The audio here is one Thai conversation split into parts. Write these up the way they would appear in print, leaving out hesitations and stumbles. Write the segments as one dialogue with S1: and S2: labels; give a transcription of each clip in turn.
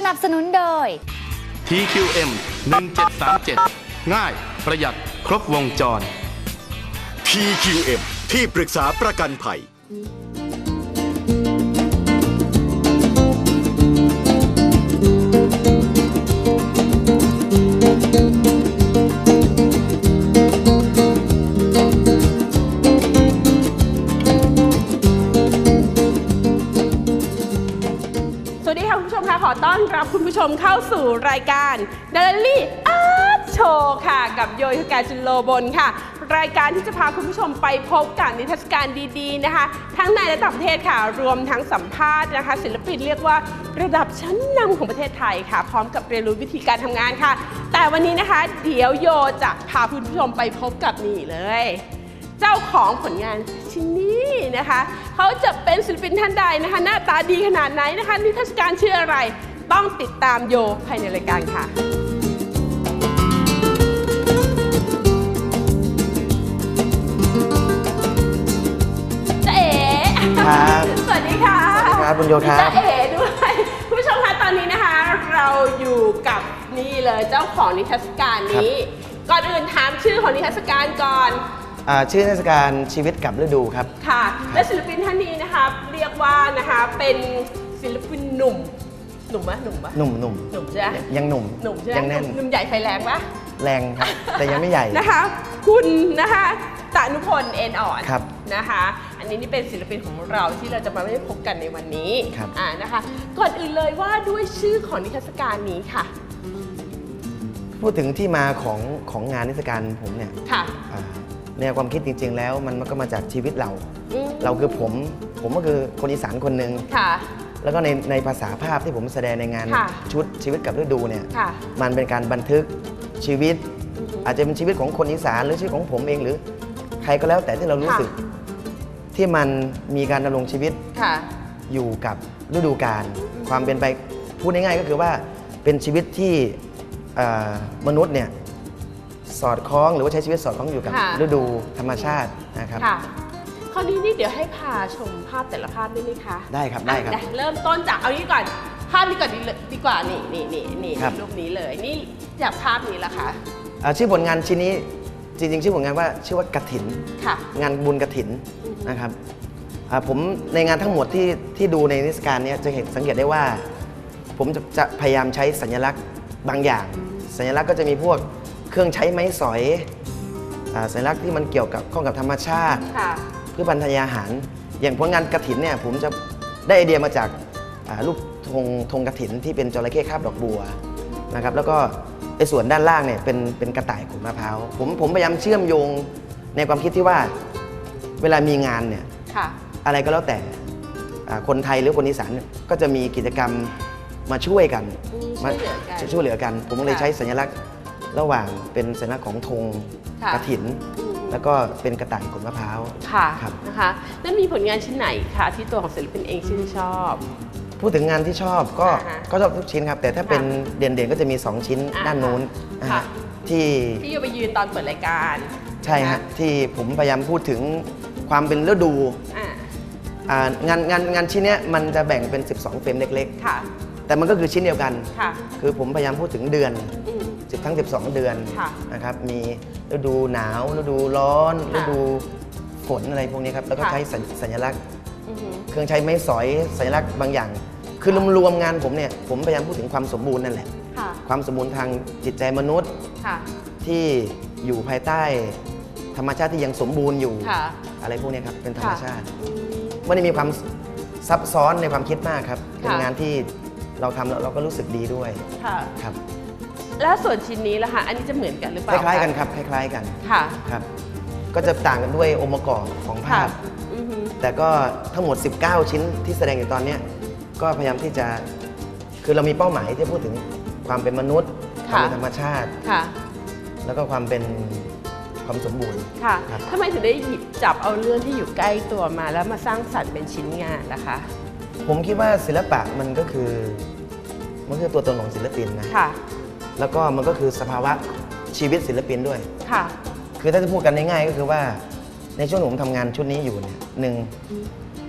S1: นับสนุนโดย
S2: TQM 1737ง่ายประหยัดครบวงจร
S3: TQM ที่ปรึกษาประกันภัย
S4: ขอต้อนรับคุณผู้ชมเข้าสู่รายการ Daily Art Show ค่ะกับโยธิกาจุลโลบลค่ะรายการที่จะพาคุณผู้ชมไปพบกับนิทรรศการดีๆนะคะทั้งในและต่างประเทศค่ะรวมทั้งสัมภาษณ์นะคะศิลปินเรียกว่าระดับชั้นนำของประเทศไทยค่ะพร้อมกับเรียนรู้วิธีการทำงานค่ะแต่วันนี้นะคะเดี๋ยวโยจะพาคุณผู้ชมไปพบกับนี่เลยเจ้าของผลงานชิ้นนี้นะคะเขาจะเป็นศิลปินท่านใดนะคะหน้าตาดีขนาดไหนนะคะนิทรรศการชื่ออะไรต้องติดตามโยภายในรายการค่ะจ๊ะเอ๋ครับสวัสดีค่ะ
S5: สวัสดีครับคุณโยครับ
S4: จ๊ะเอ๋ด้วยคุณผู้ชมคะตอนนี้นะคะเราอยู่กับนี่เลยเจ้าของนิทรรศการนี้ก่อนอื่นถามชื่อของนิทรรศการก่อน
S5: ชื่อเทศกาลชีวิตกับฤดูครับ
S4: ค่ะและศิลปินท่านนี้นะคะเรียกว่านะคะเป็นศิลปินหนุ่มหนุ่มปะ
S5: หนุ่ม
S4: ใช่ไหม
S5: ยังหนุ่ม
S4: ใช่ไหม
S5: ยังแน่น
S4: หนุ่มใหญ่ไฟแรงปะ
S5: แรงครับแต่ยังไม่ใหญ่
S4: นะคะคุณนะคะตานุพลเอ็นอ่อน
S5: ครับ
S4: นะคะอันนี้นี่เป็นศิลปินของเราที่เราจะมาได้พบกันในวันนี้
S5: ครับ
S4: นะคะก่อนอื่นเลยว่าด้วยชื่อของนิทรรศการนี้ค่ะ
S5: พูดถึงที่มาของงานนิทรรศการผมเนี่ย
S4: ค่ะ
S5: แนวความคิดจริงๆแล้วมันก็มาจากชีวิตเราคือผมก็คือคนอีสานคนหนึ่งแล้วก็ในภาษาภาพที่ผมแสดงในงานชุดชีวิตกับฤดูเนี่ยมันเป็นการบันทึกชีวิตอาจจะเป็นชีวิตของคนอีสานหรือชีวิตของผมเองหรือใครก็แล้วแต่ที่เรารู้สึกที่มันมีการดำรงชีวิตอยู่กับฤดูกาลความเป็นไปพูดง่ายๆก็คือว่าเป็นชีวิตที่มนุษย์เนี่ยสอดคล้องหรือว่าใช้ชีวิตสอดคล้องอยู่กับฤดูธรรมชาตินะครับ
S4: คราวนี้นี่เดี๋ยวให้พาชมภาพแต่ละภาพได้ไหมคะ
S5: ได้ครับ
S4: เริ่มต้นจากเอานี้ก่อนภาพนี้ก่อนดีกว่านี่รูปนี้เลยนี่จากภาพนี้ละค่ะ
S5: ชื่อผลงานชิ้นนี้จริงๆชื่อผลงานว่าชื่อว่ากฐินงานบุญกฐินนะครับผมในงานทั้งหมดที่ดูในนิทรรศการนี้จะเห็นสังเกตได้ว่าผมจะพยายามใช้สัญลักษณ์บางอย่างสัญลักษณ์ก็จะมีพวกเครื่องใช้ไม้สอยสัญลักษณ์ที่มันเกี่ยวกับข้องกับธรรมชาติเพื่อพันธยาหารอย่างผลงานกฐินเนี่ยผมจะได้ไอเดียมาจากรูปธงกฐินที่เป็นจระเข้คาบดอกบัวนะครับแล้วก็ไอ้ส่วนด้านล่างเนี่ยเป็นกระต่ายขูดมะพร้าวผมพยายามเชื่อมโยงในความคิดที่ว่าเวลามีงานเนี่ยอะไรก็แล้วแต่คนไทยหรือคนอีสานก็จะมีกิจกรรมมาช่วยกันมาช่วยเหลือกันผมเลยใช้สัญลักษณ์ระหว่างเป็นสัญลักษณ์ของธงกฐินแล้วก็เป็นกระต่ายขูดมะพร้าว
S4: ค่ะนะคะแล้วมีผลงานชิ้นไหนคะที่ตัวของศิลปินเองชื่นชอบ
S5: พูดถึงงานที่ชอบก็ชอบทุกชิ้นครับแต่ถ้าเป็นเด่นๆก็จะมี2ชิ้นด้านโน้นที่
S4: โยไปยืนตอนเปิดรายการ
S5: ใช่ฮะที่ผมพยายามพูดถึงความเป็นฤดูงานชิ้นนี้มันจะแบ่งเป็น12เฟรมเล็กๆแต่มันก็คือชิ้นเดียวกันคือผมพยายามพูดถึงเดือนทั้ง12เดือนนะครับมีฤดูหนาวฤดูร้อนฤดูฝนอะไรพวกนี้ครับแล้วก็ใช้สัญลักษณ์เครื่องใช้ไม้สอยสัญลักษณ์บางอย่างคือรวมงานผมเนี่ยผมพยายามพูดถึงความสมบูรณ์นั่นแหละความสมบูรณ์ทางจิตใจมนุษย์ที่อยู่ภายใต้ธรรมชาติที่ยังสมบูรณ์อยู่อะไรพวกนี้ครับเป็นธรรมชาติไม่ได้มีความซับซ้อนในความคิดมากครับเป็นงานที่เราทำแล้วเราก็รู้สึกดีด้วยครับ
S4: แล้วส่วนชิ้นนี้ล่ะคะอันนี้จะเหมือนกันหรือเปล่า
S5: คล้ายๆกันครับคล้ายๆกันครับก็จะต่างกันด้วยองค์ประกอบของภาพแต่ก็ทั้งหมด19ชิ้นที่แสดงอยู่ตอนนี้ก็พยายามที่จะคือเรามีเป้าหมายที่พูดถึงความเป็นมนุษย์ความเป็นธรรมชาติแล้วก็ความเป็นความสมบูรณ์
S4: ทำไมถึงได้หยิบจับเอาเรื่องที่อยู่ใกล้ตัวมาแล้วมาสร้างสรรค์เป็นชิ้นงานล่ะคะ
S5: ผมคิดว่าศิลปะมันก็คือตัวตนของศิลปินนะแล้วก็มันก็คือสภาวะชีวิตศิลปินด้วยคือถ้าจะพูดกันง่ายๆก็คือว่าในช่วงที่ผมทำงานชุดนี้อยู่เนี่ย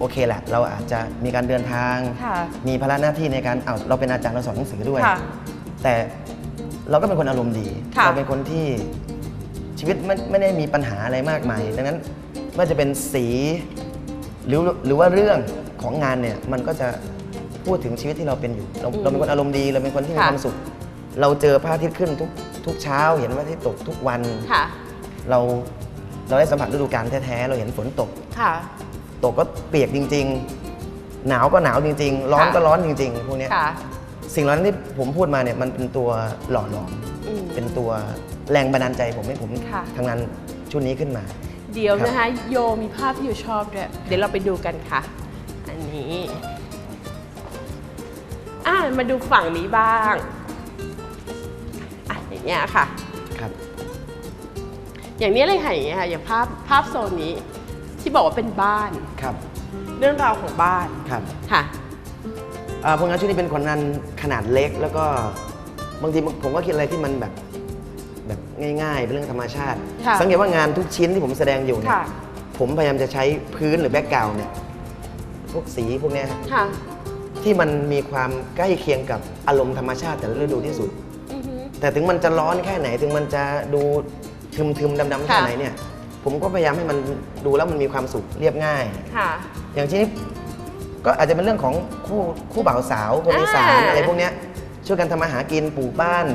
S5: โอเคแหละเราอาจจะมีการเดินทาง
S4: ค่ะ
S5: มีภาระหน้าที่ในการเราเป็นอาจารย์เราสอนหนังสือด้วย
S4: ค่ะ
S5: แต่เราก็เป็นคนอารมณ์ดี
S4: ค่ะ
S5: เราเป็นคนที่ชีวิตไม่ได้มีปัญหาอะไรมากมายดังนั้นไม่ว่าจะเป็นสีหรือว่าเรื่องของงานเนี่ยมันก็จะพูดถึงชีวิตที่เราเป็นอยู่เราเป็นคนอารมณ์ดีเราเป็นคนที่มีความสุข เราเจอพระอาทิตย์ขึ้นทุกเช้าเห็นพระอาทิตย์ตกทุกวัน
S4: ค่ะ
S5: เราได้สัมผัสฤดูกาลแท้ๆเราเห็นฝนตก
S4: ค่ะ
S5: ตกก็เปียกจริงๆ หนาวก็หนาวจริงๆ ร้อนก็ร้อนจริงๆ พวกเนี้ย
S4: ค่ะ
S5: สิ่งเหล่านั้นที่ผมพูดมาเนี่ยมันเป็นตัวหล่อหลอม
S4: อืม
S5: เป็นตัวแรงบันดาลใจผมให้ผม
S4: ค่ะ
S5: ทำงานชุดนี้ขึ้นมา
S4: เดี๋ยว
S5: ครับ
S4: นะคะโยมีภาพที่โยชอบด้วยเดี๋ยวเราไปดูกันค่ะ อันนี้มาดูฝั่งนี้บ้างอย่างเงี้ยค่ะ
S5: ครับ
S4: อย่างนี้เลยค่ะอย่างเงี้ยค่ะอย่างภาพโซนนี้ที่บอกว่าเป็นบ้าน
S5: ครับ
S4: เรื่องราวของบ้าน
S5: ครับ
S4: ค่ะ
S5: ผลงานชุดนี้เป็นผลงานขนาดเล็ก แล้วก็บางทีผมก็คิดอะไรที่มันแบบง่ายๆเป็นเรื่องธรรมชาติ
S4: ค่ะ
S5: สังเกตว่างานทุกชิ้นที่ผมแสดงอยู่เนี่ย
S4: ค่ะ
S5: ผมพยายามจะใช้พื้นหรือแบ็กกราวด์เนี่ยพวกสีพวกเนี้ยฮะ
S4: ค่ะ
S5: ที่มันมีความใกล้เคียงกับอารมณ์ธรรมชาติแต่ละฤดูที่สุด
S4: อือฮึ
S5: แต่ถึงมันจะร้อนแค่ไหน ถึงมันจะดูทึมๆดำๆแค่ไหนเนี่ย ผมก็พยายามให้มันดูแล้วมันมีความสุขเรียบง่าย
S4: ค่ะ
S5: อย่างที่นี้ก็อาจจะเป็นเรื่องของคู่บ่าวสาวคนอีสานอะไรพวกเนี้ยช่วยกันทำมาหากินปลูกบ้าน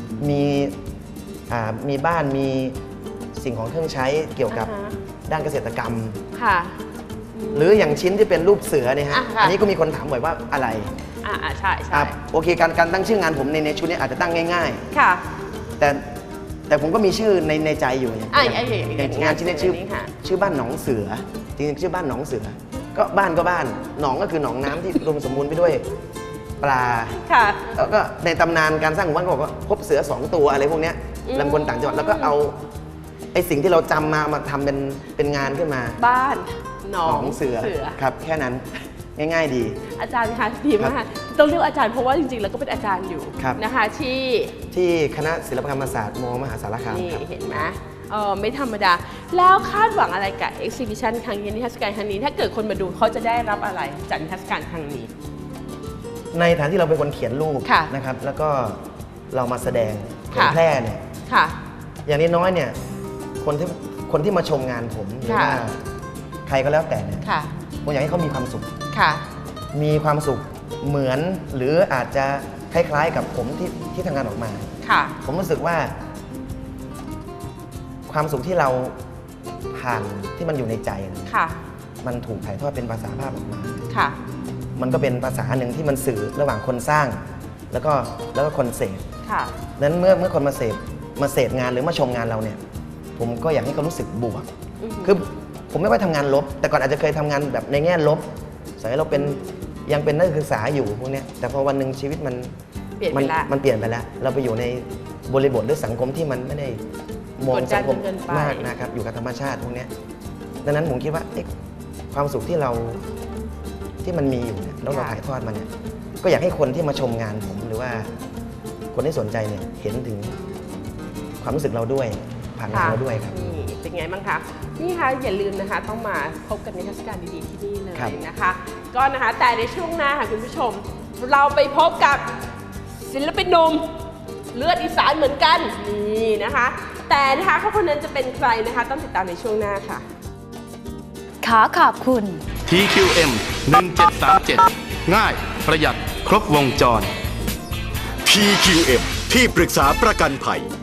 S5: มีบ้านมีสิ่งของเครื่องใช้เกี่ยวกับ
S4: อ่าฮะ
S5: ด้านเกษตรกรรม
S4: ค่ะ
S5: หรืออย่างชิ้นที่เป็นรูปเสือเนี่ยฮะ
S4: อ่ะค่ะ
S5: อันนี้ก็มีคนถามบ่อยว่าอะไร
S4: ใช่
S5: โอเคการตั้งชื่องานผมในชุดนี้อาจจะตั้งง่าย
S4: ค่ะ
S5: ๆ แต่ผมก็มีชื่อในใจอยู่อย่าง
S4: อย่าง
S5: งานชิ้นนี้
S4: ค่ะ
S5: ชื่อบ้านหนองเสือจริงๆชื่อบ้านหนองเสือก็บ้านก็บ้านหนองก็คือหนองน้ำที่รวมสมบูรณ์ไปด้วยปลา
S4: ค่ะ
S5: แล้วก็ในตำนานการสร้างหมู่บ้านก็บอกว่าพบเสือ2ตัวอะไรพวกเนี้ย
S4: อืม
S5: ลำคนต่างจังหวัดแล้วก็เอาไอ้สิ่งที่เราจำมาทำเป็นงานขึ้นมา
S4: บ้านหนอง
S5: เสือครับแค่นั้นง่ายๆดี
S4: อาจารย์คะดีมากต้องเรียกอาจารย์เพราะว่าจริงๆแล้วก็เป็นอาจารย์อยู่
S5: ครับ
S4: นะคะที่
S5: คณะศิลปกรรมศาสตร์มมหาสารคาม
S4: นี่
S5: ครับ
S4: เห็นไหมไม่ธรรมดา แล้วคาดหวังอะไรกับ exhibition ครั้งนี้นิทรรศการครั้งนี้ ถ้าเกิดคนมาดูเขาจะได้รับอะไรจากนิทรรศการครั้งนี้
S5: ในฐานที่เราเป็นคนเขียนรูป
S4: ค่ะ
S5: นะครับ แล้วก็เรามาแสดงเผย
S4: ค่ะ
S5: แพร่เนี่ย
S4: ค่ะ
S5: อย่างน้อยๆเนี่ยคนที่มาชมงานผมหรือ
S4: ค่ะ
S5: ว่าใครก็แล้วแต่เนี่ย
S4: ค่ะ
S5: ผมอยากให้เขามีความสุข
S4: ค่ะ
S5: มีความสุขเหมือนหรืออาจจะคล้ายๆกับผมที่ทำงานออกมา
S4: ค่ะ
S5: ผมรู้สึกว่า ความสุขที่เราผ่านที่มันอยู่ในใจเนี่ย
S4: ค่ะ
S5: มันถูกถ่ายทอดเป็นภาษาภาพออกมา
S4: ค่ะ
S5: มันก็เป็นภาษาหนึ่งที่มันสื่อระหว่างคนสร้าง แล้วก็คนเสพ
S4: ค่ะ
S5: นั้นเมื่อคนมาเสพงานหรือมาชมงานเราเนี่ย ผมก็อยากให้เขารู้สึกบวก
S4: อือฮึ
S5: คือผมไม่ว่าทำงานลบ แต่ก่อนอาจจะเคยทำงานแบบในแง่ลบสมัยเรายังเป็นนักศึกษาอยู่พวกเนี้ยแต่พอวันหนึ่งชีวิตมัน
S4: เปลี่ยนไปละ
S5: มันเปลี่ยนไปแล้ว เราไปอยู่ในบริบทหรือสังคมที่มันไม่ได้มอง
S4: กดดัน
S5: สังคม
S4: เกินไป
S5: มากนะครับ อยู่กับธรรมชาติพวกเนี้ยดังนั้นผมคิดว่าเอ๊ะความสุขที่มันมีอยู่เนี่ยแล้วเราถ่ายทอดมันเนี่ยก็อยากให้คนที่มาชมงานผมหรือว่าคนที่สนใจเนี่ยเห็นถึงความรู้สึกเราด้วยผ่านงานเราด้วยครับ
S4: นี่เป็นไงบ้างคะ นี่ค่ะอย่าลืมนะคะ ต้องมาพบกันในเทศกาลดีๆที่นี่เลย
S5: ครับ
S4: นะคะ ก็นะคะแต่ในช่วงหน้าค่ะคุณผู้ชม เราไปพบกับศิลปินหนุ่มเลือดอีสานเหมือนกันนี่นะคะ แต่นะคะเขาคนนั้นจะเป็นใครนะคะ ต้องติดตามในช่วงหน้าค่ะ
S1: ขอขอบคุณ
S2: TQM 1737 ง่ายประหยัดครบวงจร
S3: TQM ที่ปรึกษาประกันภัย